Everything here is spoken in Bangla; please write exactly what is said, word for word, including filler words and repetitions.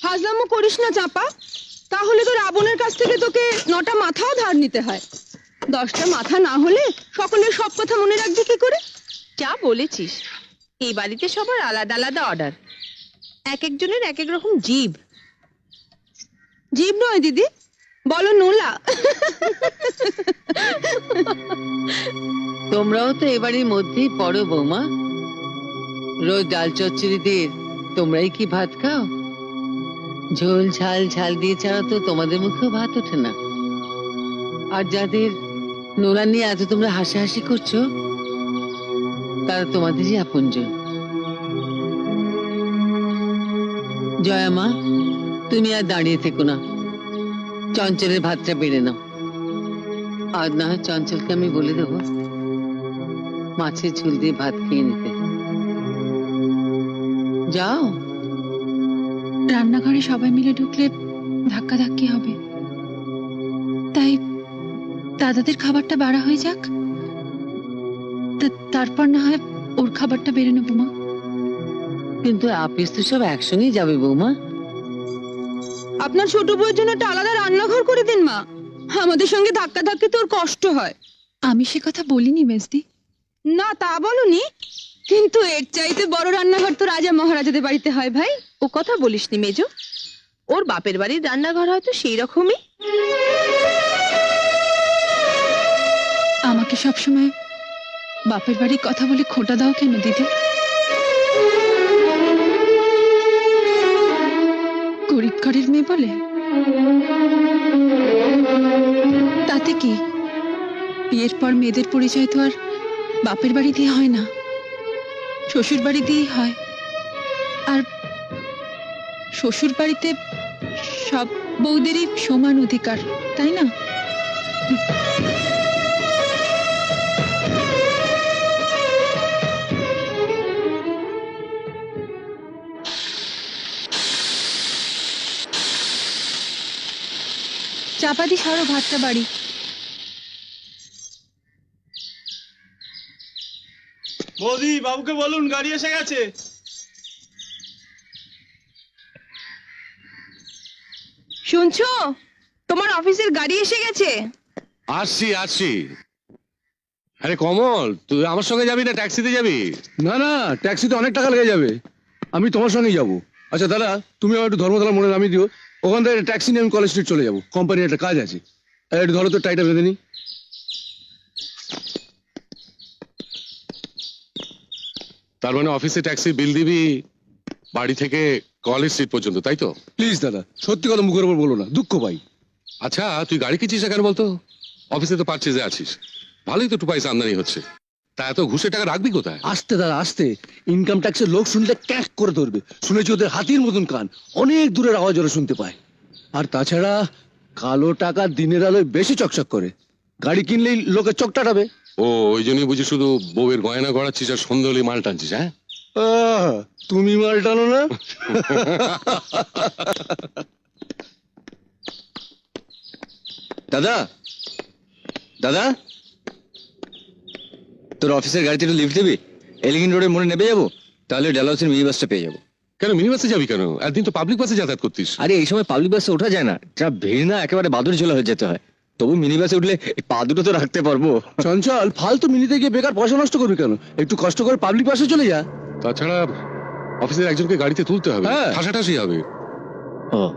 হাজলামো করিস না চাপা, তাহলে তো রাবণের কাছ থেকে তোকে নটা মাথাও ধার নিতে হয়। দশটা মাথা না হলে সকলের সব কথা মনে রাখবি কি করে? যা বলেছিস, এই বাড়িতে সবার আলাদা আলাদা অর্ডার, এক একজনের এক এক রকম জিভ। জীব নয় দিদি, বলো নোলা। তোমরাও তো এবারের মধ্যেই পড়ো বৌমা। রোজ ডাল চচ্চড়ি দিয়ে তোমরাই কি ভাত খাও? ঝোল ঝাল ঝাল দিয়ে ছাড়া তো তোমাদের মুখেও ভাত ওঠে না। আর যাদের নোলা নিয়ে এত তোমরা হাসাহাসি করছো, তারা তোমাদেরই আপনজন। জয়া মা, তুমি আর দাঁড়িয়ে থেকো না, চঞ্চলের ভাতটা বেড়ে নাও। আজ না হয় চঞ্চলকে আমি বলে দেবো মাছের ঝোল দিয়ে ভাত খেয়ে নিতে। যাও। রান্নাঘরে সবাই মিলে ঢুকলে ধাক্কা ধাক্কি হবে, তাই দাদাদের খাবারটা বাড়া হয়ে যাক, তারপর না হয় ওর খাবারটা বেড়ে নেবো মা। কিন্তু আপিস তো সব একসঙ্গেই যাবে বৌমা। আপনার ছোট বউয়ের জন্য একটা আলাদা রান্নাঘর করে দিন মা, আমাদের সঙ্গে ধাক্কা ধাক্কি তোর কষ্ট হয়। আমি সে কথা বলিনি মেজদি। না তা বলনি, কিন্তু এর চাইতে বড় রান্নাঘর তো রাজা মহারাজাদের বাড়িতে হয় ভাই। ও কথা বলিসনি মেজো, ওর বাপের বাড়ির রান্নাঘর হয়তো সেই রকমই। আমাকে সবসময় বাপের বাড়ির কথা বলে খোঁটা দাও কেন দিদি? গরিব ঘরের মেয়ে বলে? তাতে কি, বিয়ের পর মেয়েদের পরিচয় তো আর বাপের বাড়ি দিয়ে হয় না, শ্বশুর বাড়ি দিয়েই হয়। আর শ্বশুর বাড়িতে সব বউদেরই সমান অধিকার, তাই না? চাপাতি সারো ভাতটা বাড়ি। বৌদি, বাবুকে বলুন গাড়ি এসে গেছে। শুনছো, তোমার অফিসের গাড়ি এসে গেছে। আসছি আসছি। আরে কমল, তুই আমার সঙ্গে যাবি না ট্যাক্সিতে যাবি? না না, ট্যাক্সিতে অনেক টাকা লেগে যাবে, আমি তোমার সঙ্গেই যাবো। আচ্ছা দাদা, তুমি আমার একটু ধর্মতলা মোড়ে নামিয়ে দিও, ওখান থেকে ট্যাক্সি নিয়ে আমি কলেজ স্ট্রিট চলে যাবো, কোম্পানির একটা কাজ আছে। আর একটু ধরো তো, টাইটা বেঁধে নি। তার মানে অফিসে ট্যাক্সি বিল দিবি বাড়ি থেকে কলেজ স্ট্রিট পর্যন্ত, তাই তো? প্লিজ দাদা, সত্যি কথা মুখের উপর বলো না, দুঃখ পাই। আচ্ছা, তুই গাড়ি কিনছিস না কেন বলতো? অফিসে তো পারচেজে আছিস, ভালোই তো টু পয়সা আমদানি হচ্ছে, তা এত ঘুষের টাকা রাখবি কোথায়? আস্তে দাদা আস্তে, ইনকাম ট্যাক্সের লোক শুনলে ক্যাক করে ধরবে। শুনেছি ওদের হাতির মতন কান, অনেক দূরের আওয়াজ ওরা শুনতে পায়। আর তাছাড়া কালো টাকা দিনের আলোয় বেশি চকচক করে, গাড়ি কিনলেই লোকে চোখ টাটাবে। ও, ওই জন্যই বুঝি শুধু বউয়ের গয়না গড়াচ্ছিস আর সন্ধ্যে হলেই মাল টানছিস, হ্যাঁ? আহ, তুমি মাল টানো না? দাদা দাদা তোর অফিসের গাড়িতে একটু লিফট দিবি? এলিগিন রোডের মোড়ে নেমে যাবো, তাহলে ডালহাউসের মিনি বাসটা পেয়ে যাবো। কেন মিনি বাসে যাবি কেন? একদিন তো পাবলিক বাসে যাতায়াত করতিস। আরে এই সময় পাবলিক বাসে ওঠা যায় না, যা ভিড় না, একেবারে বাদুর ঝোলা হয়ে যেতে হয়। তবু মিনি বাসে উঠলে এই পা দুটো তো রাখতে পারবো। চঞ্চল, ফালতু মিনিতে গিয়ে বেকার পয়সা নষ্ট করবি কেন? একটু কষ্ট করে পাবলিক বাসে চলে যা। তাছাড়া অফিসের একজনকে গাড়িতে তুলতে হবে, হ্যাঁ। ঠাসাঠাসি হবে। ও